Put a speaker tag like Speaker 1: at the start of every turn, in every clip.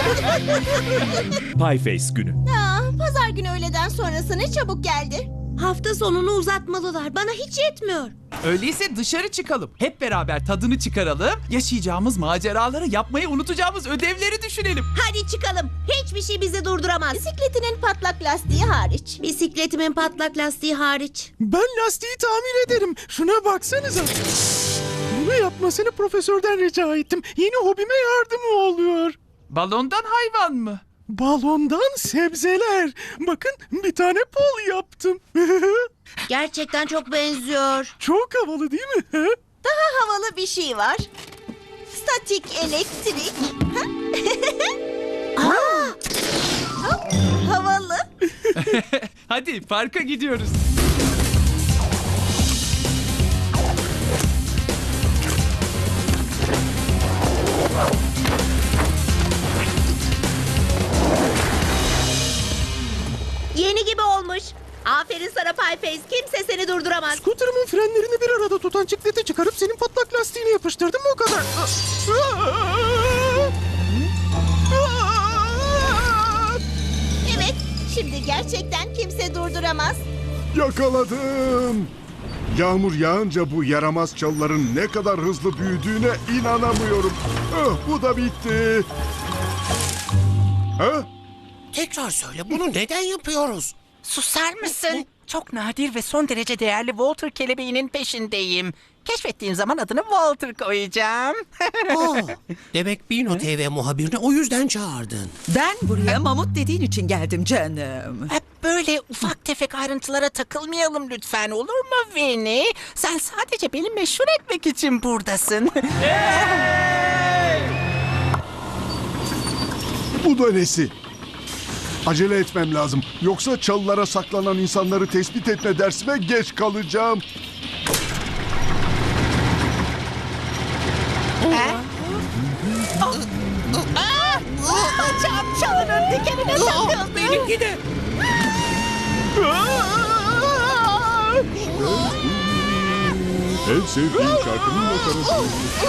Speaker 1: Pieface günü.
Speaker 2: Pazar günü öğleden sonrası ne çabuk geldi.
Speaker 3: Hafta sonunu uzatmalılar. Bana hiç yetmiyor.
Speaker 4: Öyleyse dışarı çıkalım. Hep beraber tadını çıkaralım. Yaşayacağımız maceraları, yapmayı unutacağımız ödevleri düşünelim.
Speaker 3: Hadi çıkalım. Hiçbir şey bizi durduramaz.
Speaker 2: Bisikletinin patlak lastiği hariç.
Speaker 3: Bisikletimin patlak lastiği hariç.
Speaker 5: Ben lastiği tamir ederim. Şuna baksanıza. Bunu yapmasını profesörden rica ettim. Yeni hobime yardımı oluyor.
Speaker 4: Balondan hayvan mı?
Speaker 5: Balondan sebzeler. Bakın bir tane pol yaptım.
Speaker 3: Gerçekten çok benziyor.
Speaker 5: Çok havalı değil mi?
Speaker 2: Daha havalı bir şey var. Statik elektrik. Hop, havalı.
Speaker 4: Hadi parka gidiyoruz.
Speaker 3: Yeni gibi olmuş. Aferin sana Pieface. Kimse seni durduramaz.
Speaker 5: Scooter'ımın frenlerini bir arada tutan çikleti çıkarıp senin patlak lastiğine yapıştırdım, o kadar.
Speaker 2: Evet, şimdi gerçekten kimse durduramaz.
Speaker 6: Yakaladım. Yağmur yağınca bu yaramaz çalıların ne kadar hızlı büyüdüğüne inanamıyorum. Bu da bitti. Ha?
Speaker 7: Tekrar söyle, bunu neden yapıyoruz?
Speaker 8: Susar mısın? Çok nadir ve son derece değerli Walter kelebeğinin peşindeyim. Keşfettiğim zaman adını Walter koyacağım.
Speaker 7: Demek Bino TV muhabirini o yüzden çağırdın.
Speaker 9: Ben buraya mamut dediğin için geldim canım.
Speaker 8: Hep böyle ufak tefek ayrıntılara takılmayalım lütfen, olur mu Vinny? Sen sadece beni meşhur etmek için buradasın.
Speaker 6: Bu da nesi? Acele etmem lazım. Yoksa çalılara saklanan insanları tespit etme dersime geç kalacağım.
Speaker 8: Çalının dikenine takıldım.
Speaker 7: Benimki de.
Speaker 6: En sevdiğim şarkının makarası.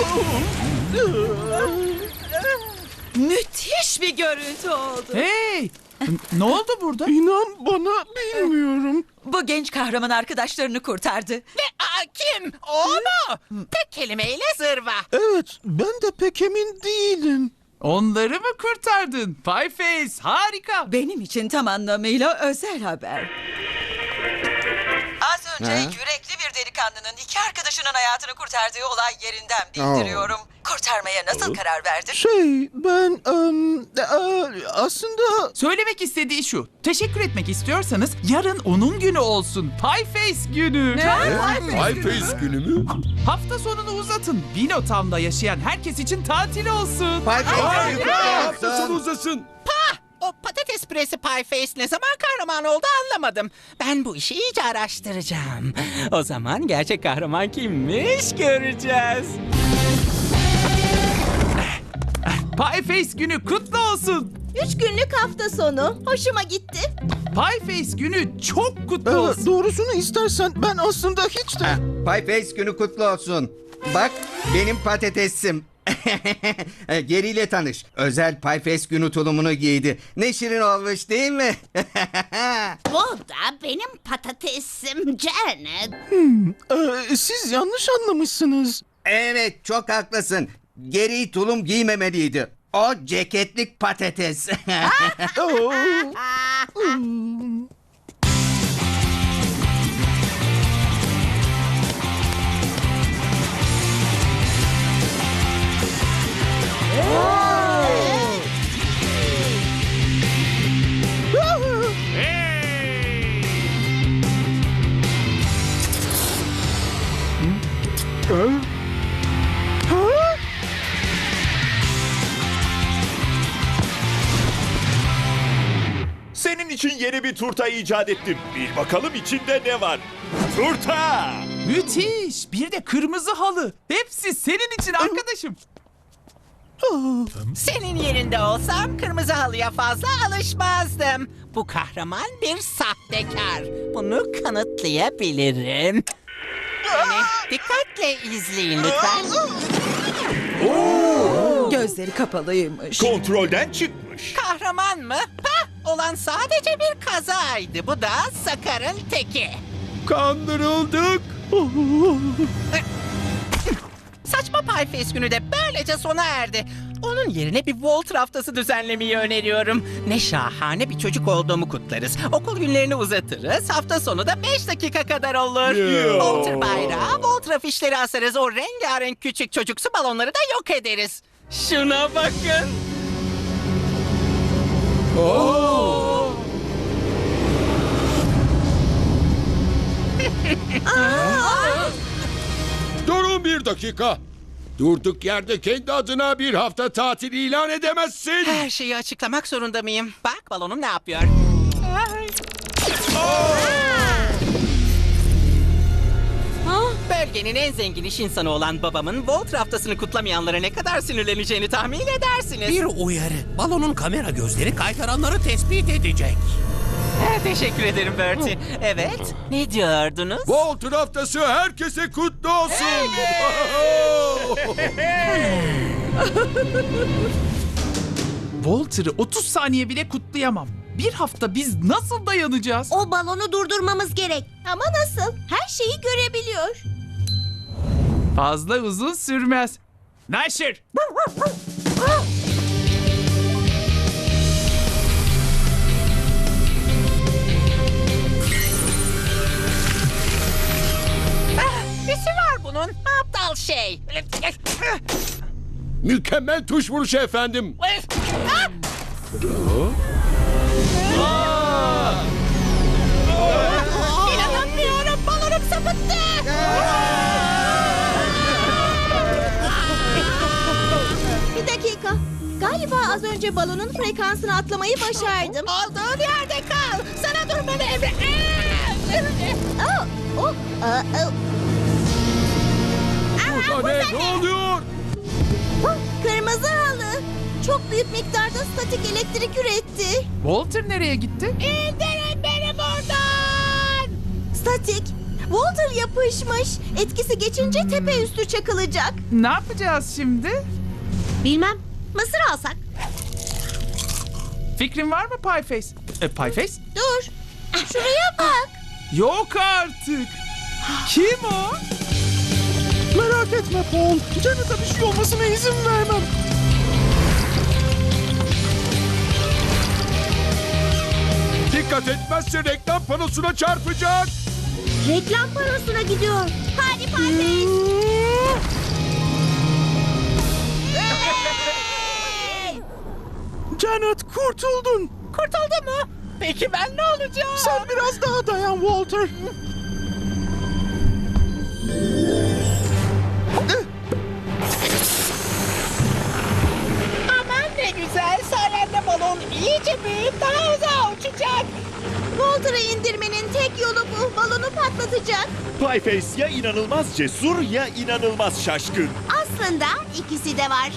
Speaker 9: Müthiş bir görüntü oldu.
Speaker 4: Hey! Ne oldu burada?
Speaker 5: İnan bana, bilmiyorum.
Speaker 9: Bu genç kahraman arkadaşlarını kurtardı.
Speaker 8: Kim? O mu? Tek kelimeyle zırva.
Speaker 5: Evet, ben de pek emin değilim.
Speaker 4: Onları mı kurtardın? Pieface harika.
Speaker 9: Benim için tam anlamıyla özel haber. Az önce yürekli bir delikanlının iki arkadaşının hayatını kurtardığı olay yerinden bildiriyorum. Kurtarmaya nasıl karar verdin?
Speaker 5: Ben aslında...
Speaker 4: Söylemek istediği şu. Teşekkür etmek istiyorsanız yarın onun günü olsun. Pieface günü.
Speaker 1: Pieface günü mü?
Speaker 4: Hafta sonunu uzatın. Binotown'da yaşayan herkes için tatil olsun.
Speaker 1: Hafta sonu uzasın.
Speaker 8: O patates püresi Pieface ne zaman kahraman oldu anlamadım. Ben bu işi iyice araştıracağım. O zaman gerçek kahraman kimmiş göreceğiz.
Speaker 4: Pieface günü kutlu olsun.
Speaker 2: 3 günlük hafta sonu. Hoşuma gitti.
Speaker 4: Pieface günü çok kutlu olsun.
Speaker 5: Doğrusunu istersen ben aslında hiç de...
Speaker 10: Pieface günü kutlu olsun. Bak, benim patatesim. Geriyle tanış. Özel Pieface günü tulumunu giydi. Ne şirin olmuş değil mi?
Speaker 2: Bu da benim patatesim Janet.
Speaker 5: Siz yanlış anlamışsınız.
Speaker 10: Evet, çok haklısın. Geri tulum giymemeliydi. O ceketlik patates.
Speaker 5: Oo.
Speaker 1: Senin için yeni bir turta icat ettim. Bil bakalım içinde ne var. Turta!
Speaker 4: Müthiş. Bir de kırmızı halı. Hepsi senin için arkadaşım.
Speaker 8: Senin yerinde olsam kırmızı halıya fazla alışmazdım. Bu kahraman bir sahtekar. Bunu kanıtlayabilirim. Beni dikkatle izleyin lütfen.
Speaker 9: Gözleri kapalıymış.
Speaker 1: Kontrolden çıkmış.
Speaker 8: Kahraman mı? Hah, olan sadece bir kazaydı. Bu da Sakar'ın teki.
Speaker 1: Kandırıldık.
Speaker 8: Saçma Pieface günü de böylece sona erdi. Onun yerine bir Volter haftası düzenlemeyi öneriyorum. Ne şahane bir çocuk olduğumu kutlarız. Okul günlerini uzatırız. Hafta sonu da 5 dakika kadar olur. Volter bayrağı, Volter afişleri asarız. O rengarenk küçük çocuksu balonları da yok ederiz. Şuna bakın.
Speaker 6: Durun bir dakika. Durduk yerde kendi adına bir hafta tatil ilan edemezsin.
Speaker 8: Her şeyi açıklamak zorunda mıyım? Bak balonum ne yapıyor? Bölgenin en zengin iş insanı olan babamın Volter haftasını kutlamayanlara ne kadar sinirleneceğini tahmin edersiniz.
Speaker 7: Bir uyarı. Balonun kamera gözleri kaytaranları tespit edecek.
Speaker 8: Teşekkür ederim Bertie. Evet, ne diyordunuz?
Speaker 6: Volter haftası herkese kutlu olsun.
Speaker 4: Walter'ı 30 saniye bile kutlayamam. Bir hafta biz nasıl dayanacağız?
Speaker 3: O balonu durdurmamız gerek.
Speaker 2: Ama nasıl? Her şeyi görebiliyor.
Speaker 4: Fazla uzun sürmez. Neşir!
Speaker 8: Nesi var bunun? Aptal şey.
Speaker 6: Mükemmel tuş vuruşu efendim.
Speaker 8: İnanamıyorum, balonum sapıttı.
Speaker 2: Bir dakika. Galiba az önce balonun frekansını atlamayı başardım.
Speaker 8: Olduğun yerde kal. Sana durmanı emre...
Speaker 2: Oh, oh, oh.
Speaker 6: Burada ne oluyor?
Speaker 2: Kırmızı halı. Çok büyük miktarda statik elektrik üretti.
Speaker 4: Walter nereye gitti?
Speaker 2: İndirin beni buradan. Statik. Walter yapışmış. Etkisi geçince tepe üstü çakılacak.
Speaker 4: Ne yapacağız şimdi?
Speaker 3: Bilmem. Mısır alsak.
Speaker 4: Fikrin var mı Pieface? Pieface?
Speaker 2: Dur. Şuraya bak.
Speaker 4: Yok artık. Kim o?
Speaker 5: Merak etme Paul. Janet'a bir şey olmasına izin vermem.
Speaker 6: Dikkat etmezse reklam panosuna çarpacak.
Speaker 3: Reklam parosuna gidiyor. Hadi Pieface.
Speaker 5: Janet kurtuldun.
Speaker 8: Kurtuldu mu? Peki ben ne olacağım?
Speaker 5: Sen biraz daha dayan Walter.
Speaker 8: Aman ne güzel. Sayende balon iyice büyüyüp daha uzağa uçacak.
Speaker 2: Walter'ı indirmenin tek yolu bu. Balonu patlatacak.
Speaker 1: Pieface ya inanılmaz cesur ya inanılmaz şaşkın.
Speaker 2: Aslında ikisi de var.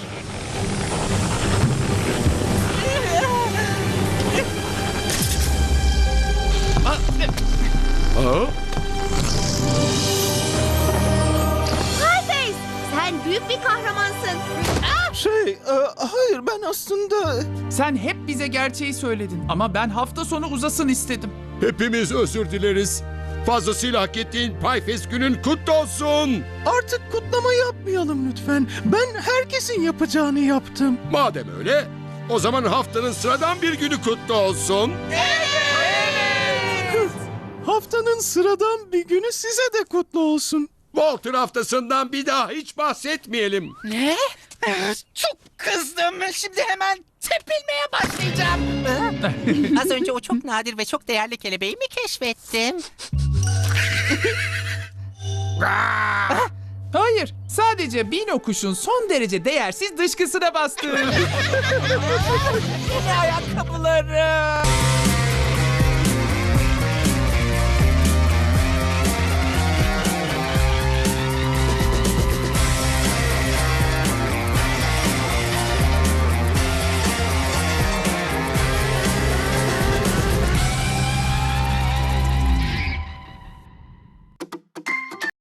Speaker 2: Pieface, sen büyük bir kahramansın.
Speaker 5: Hayır ben aslında...
Speaker 4: Sen hep bize gerçeği söyledin. Ama ben hafta sonu uzasın istedim.
Speaker 6: Hepimiz özür dileriz. Fazlasıyla hak ettiğin Pieface günün kutlu olsun.
Speaker 5: Artık kutlama yapmayalım lütfen. Ben herkesin yapacağını yaptım.
Speaker 6: Madem öyle, o zaman haftanın sıradan bir günü kutlu olsun.
Speaker 5: Haftanın sıradan bir günü size de kutlu olsun.
Speaker 6: Walter haftasından bir daha hiç bahsetmeyelim.
Speaker 8: Ne? Çok kızdım. Şimdi hemen tepilmeye başlayacağım. Az önce o çok nadir ve çok değerli kelebeği mi keşfettim?
Speaker 4: Hayır, sadece Bino kuşun son derece değersiz dışkısına bastım.
Speaker 8: Yeni ayakkabılarım.